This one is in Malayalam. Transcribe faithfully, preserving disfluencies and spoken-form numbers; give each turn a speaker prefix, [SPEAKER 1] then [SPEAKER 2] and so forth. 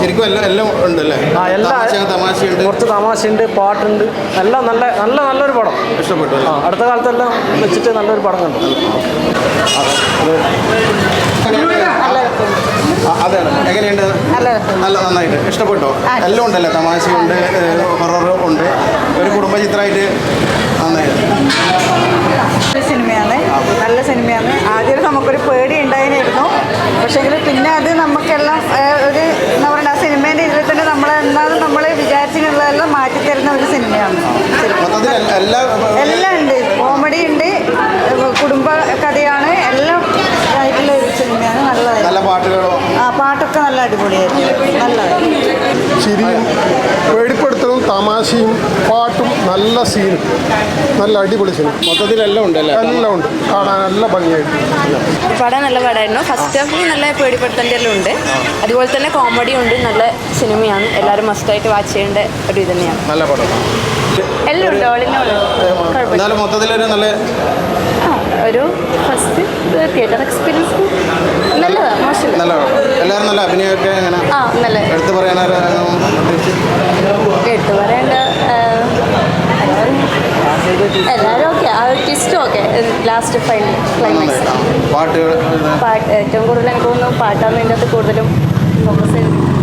[SPEAKER 1] ശരിക്കും എല്ലാം എല്ലാം ഉണ്ടല്ലേ?
[SPEAKER 2] ആ എല്ലാ
[SPEAKER 1] തമാശയുണ്ട്,
[SPEAKER 2] കുറച്ച് തമാശയുണ്ട്, പാട്ടുണ്ട്, എല്ലാം നല്ല നല്ല നല്ലൊരു പടം.
[SPEAKER 1] ഇഷ്ടപ്പെട്ടു.
[SPEAKER 2] ആ അടുത്ത കാലത്തെല്ലാം വെച്ചിട്ട് നല്ലൊരു പടം കണ്ടു.
[SPEAKER 1] അതാണ് എങ്ങനെയുണ്ട്? നല്ല നന്നായിട്ട് ഇഷ്ടപ്പെട്ടോ? എല്ലാം ഉണ്ടല്ലേ? തമാശയുണ്ട്, ഹൊറർ ഉണ്ട്, ഒരു കുടുംബ ചിത്രമായിട്ട് നന്നായിട്ട്
[SPEAKER 3] സിനിമയാണ്. നല്ല സിനിമയാണ്. ആദ്യം നമുക്കൊരു പേടി ഉണ്ടായിരുന്നു, പക്ഷേങ്കിൽ പിന്നെ അത് നമുക്കെല്ലാം ഒരു എന്താ പറയുക, ആ സിനിമേൻ്റെ ഇതിൽ തന്നെ നമ്മൾ എന്താണ് നമ്മൾ വിചാരിച്ചിട്ടുള്ളതെല്ലാം മാറ്റിത്തരുന്ന ഒരു സിനിമയാണ്. എല്ലാം ഉണ്ട്, കോമഡി ഉണ്ട്, കുടുംബ കഥയാണ്, എല്ലാം ആയിട്ടുള്ള ഒരു സിനിമയാണ്. നല്ലതായിരുന്നു.
[SPEAKER 1] നല്ല പാട്ടുകളോ?
[SPEAKER 3] ആ പാട്ടൊക്കെ നല്ല അടിപൊളിയായിരുന്നു, നല്ലതായിരുന്നു.
[SPEAKER 4] ചിരിയും പേടിപ്പെടുത്തലും തമാശയും പാട്ടും നല്ല സീനും നല്ല അടിപൊളി സിനിമ.
[SPEAKER 1] മൊത്തത്തിലെല്ലാം ഉണ്ടല്ലേ?
[SPEAKER 4] എല്ലാം ഉണ്ട്, കാണാൻ നല്ല ഭംഗിയായിട്ട്.
[SPEAKER 5] പടം നല്ല പടമായിരുന്നു. ഫസ്റ്റ് ഹാഫിൽ നല്ല പേടിപ്പെടുത്തേണ്ടതെല്ലാം ഉണ്ട്, അതുപോലെ തന്നെ കോമഡി ഉണ്ട്. നല്ല സിനിമയാണ്, എല്ലാവരും മസ്റ്റായിട്ട് വാച്ച് ചെയ്യേണ്ട ഒരു ഇത് തന്നെയാണ്.
[SPEAKER 1] നല്ല പടം
[SPEAKER 5] എല്ലാം ഉണ്ട്, ഓളിനോള്
[SPEAKER 1] എന്നാലും മൊത്തത്തിലൊരു നല്ല
[SPEAKER 5] ഒരു ഫസ്റ്റ് തിയേറ്റർ എക്സ്പീരിയൻസ് നല്ലതാണ്, മോശമില്ല.
[SPEAKER 1] നല്ല എല്ലാവരും നല്ല അഭിനയമൊക്കെ എങ്ങനെ
[SPEAKER 5] ആ നല്ല
[SPEAKER 1] എടുത്തു പറയാനോ
[SPEAKER 5] എടുത്തു പറയേണ്ട എല്ലാവരും ഓക്കെ. ആ ഒരു ട്വിസ്റ്റും ഓക്കെ, ലാസ്റ്റ് ഫൈനൽ ക്ലൈമാക്സ്.
[SPEAKER 1] പാട്ടുകൾ
[SPEAKER 5] പാട്ട് ഏറ്റവും കൂടുതൽ എനിക്ക് തോന്നുന്നു പാട്ടാണ് ഇതിൻ്റെ അകത്ത് കൂടുതലും ഫോക്കസ് ചെയ്ത്